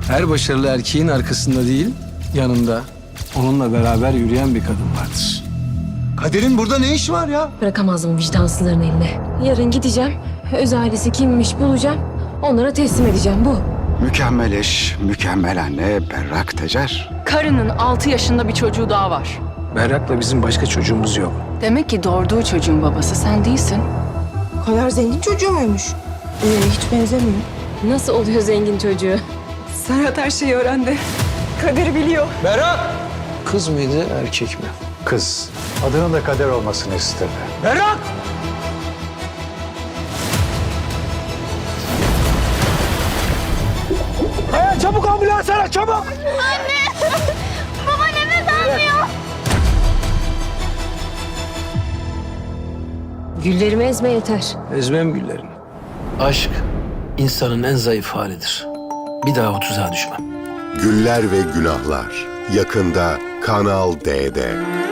Her başarılı erkeğin arkasında değil, yanında onunla beraber yürüyen bir kadın vardır. Kader'in burada ne işi var ya? Bırakamazdım vicdansızların eline. Yarın gideceğim, öz ailesi kimmiş bulacağım, onlara teslim edeceğim bu. Mükemmel eş, mükemmel anne Berrak Tecer. Karının 6 yaşında bir çocuğu daha var. Berrak'la bizim başka çocuğumuz yok. Demek ki doğurduğu çocuğun babası sen değilsin. Kader zengin çocuğu muymuş? Hiç benzemiyor. Nasıl oluyor zengin çocuğu? Serhat her şeyi öğrendi. Kader'i biliyor. Berrak! Kız mıydı, erkek mi? Kız. Adının da Kader olmasını istedi. Berrak! Çabuk ambulans ara, çabuk! Güllerimi ezme yeter. Ezmem güllerini. Aşk insanın en zayıf halidir. Bir daha o tuzağa düşmem. Güller ve Günahlar yakında Kanal D'de.